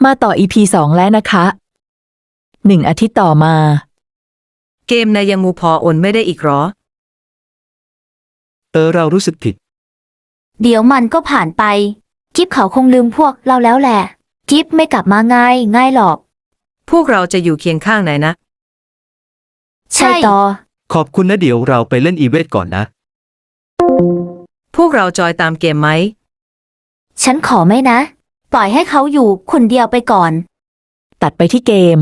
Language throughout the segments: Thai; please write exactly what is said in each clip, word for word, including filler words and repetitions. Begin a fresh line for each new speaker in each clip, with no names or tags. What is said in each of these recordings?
มาต่อ อี พี สองแล้วนะคะหนึ่งอาทิตย์ต่อมา
เกมนายยังมูพอโอนไม่ได้อีกหรอ
เออเรารู้สึกผิด
เดี๋ยวมันก็ผ่านไปกิ๊บเขาคงลืมพวกเราแล้วแหละกิ๊บไม่กลับมาง่ายง่ายหรอก
พวกเราจะอยู่เคียงข้างไหนนะ
ใช่ต่อ
ขอบคุณนะเดี๋ยวเราไปเล่นอีเวนต์ก่อนนะ
พวกเราจอยตามเกมไหม
ฉันขอไม่นะปล่อยให้เขาอยู่คนเดียวไปก่อน
ตัดไปที่เกม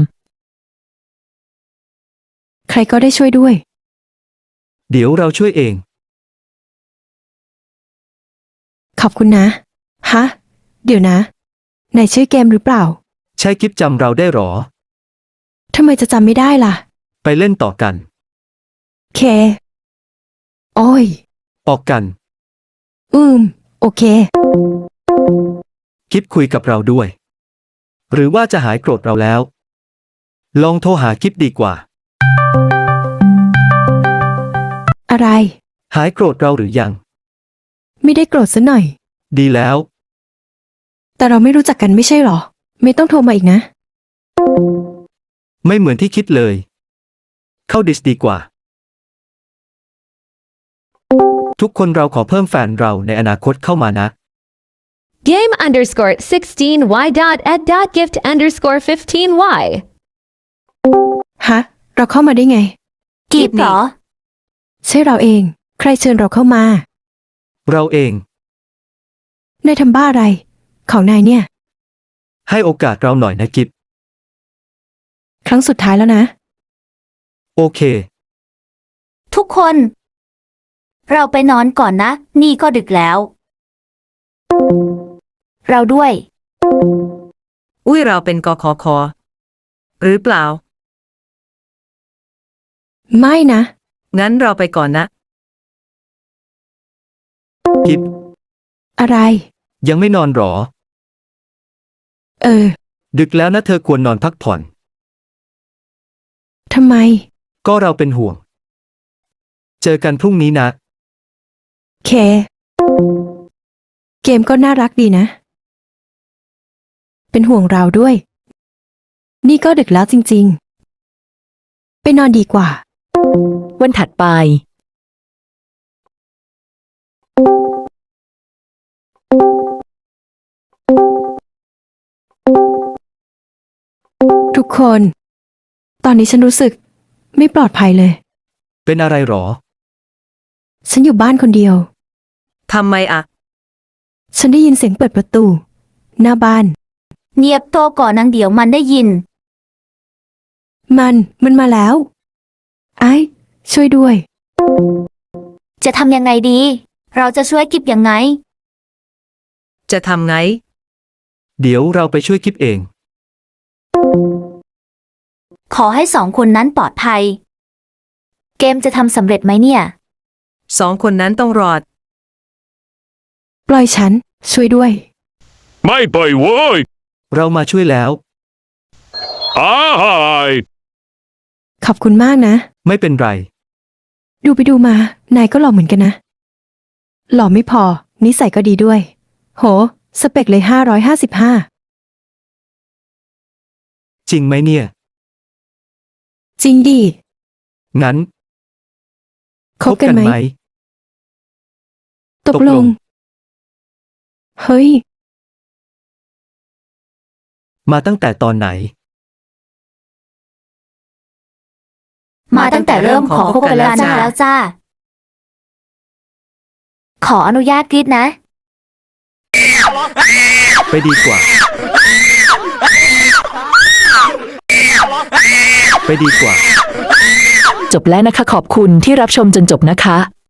ใครก็ได้ช่วยด้วย
เดี๋ยวเราช่วยเอง
ขอบคุณนะฮะเดี๋ยวนะนายชื่อเกมหรือเปล่า
ใช่กิฟจำเราได้หรอ
ทำไมจะจำไม่ได้ล่ะ
ไปเล่นต่อกัน
เคโอ้ย
ออกกัน
อืมโอเค
กิฟคุยกับเราด้วยหรือว่าจะหายโกรธเราแล้วลองโทรหากิฟดีกว่า
อะไร
หายโกรธเราหรือยัง
ไม่ได้โกรธซะหน่อย
ดีแล้ว
แต่เราไม่รู้จักกันไม่ใช่หรอไม่ต้องโทรมาอีกนะ
ไม่เหมือนที่คิดเลยเข้าดิสดีกว่าทุกคนเราขอเพิ่มแฟนเราในอนาคตเข้ามานะ
Game underscore sixteen y dot ed dot gift underscore fifteen y
ฮะเราเข้ามาได้ไง
กิ๊บเหรอ
ใช่เราเองใครเชิญเราเข้ามา
เราเอง
นายทำบ้าอะไรของนายเนี่ย
ให้โอกาสเราหน่อยนะกิฟ
ครั้งสุดท้ายแล้วนะ
โอเค
ทุกคนเราไปนอนก่อนนะนี่ก็ดึกแล้วเราด้วย
อุ้ยเราเป็นกคคหรือเปล่า
ไม่นะ
งั้นเราไปก่อนนะ
กิฟ
อะไร
ยังไม่นอนหรอ
เออ
ดึกแล้วนะเธอควรนอนพักผ่อน
ทำไม
ก็เราเป็นห่วงเจอกันพรุ่งนี้นะ
เคเกมก็น่ารักดีนะเป็นห่วงเราด้วยนี่ก็ดึกแล้วจริงๆไปนอนดีกว่า
วันถัดไป
ทุกคนตอนนี้ฉันรู้สึกไม่ปลอดภัยเลย
เป็นอะไรหรอ
ฉันอยู่บ้านคนเดียว
ทำไมอะ
ฉันได้ยินเสียงเปิดประตูหน้าบ้าน
เงียบโตก่อนนางเดี๋ยวมันได้ยิน
มันมันมาแล้วไอ้ช่วยด้วย
จะทำยังไงดีเราจะช่วยกิ๊บยังไง
จะทำไง
เดี๋ยวเราไปช่วยกิฟเอง
ขอให้สองคนนั้นปลอดภัยเกมจะทำสำเร็จไหมเนี่ย
สองคนนั้นต้องรอด
ปล่อยฉันช่วยด้วย
ไม่ปล่อยเว้ย
เรามาช่วยแล้ว
อ้าย
ขอบคุณมากนะ
ไม่เป็นไร
ดูไปดูมานายก็หล่อเหมือนกันนะหล่อไม่พอนิสัยก็ดีด้วยโหสเปคเลยห้าร้อยห้าสิบห้า
จริงไหมเนี่ย
จริงดิ
งั้น
คบกันไหมตกลงเฮ้ย
มาตั้งแต่ตอนไหน
มาตั้งแต่เริ่มขอคบกันแล้วจ้าขออนุญาตกรีดนะ
ไปดีกว่าไปดีกว่า
จบแล้วนะคะขอบคุณที่รับชมจนจบนะคะ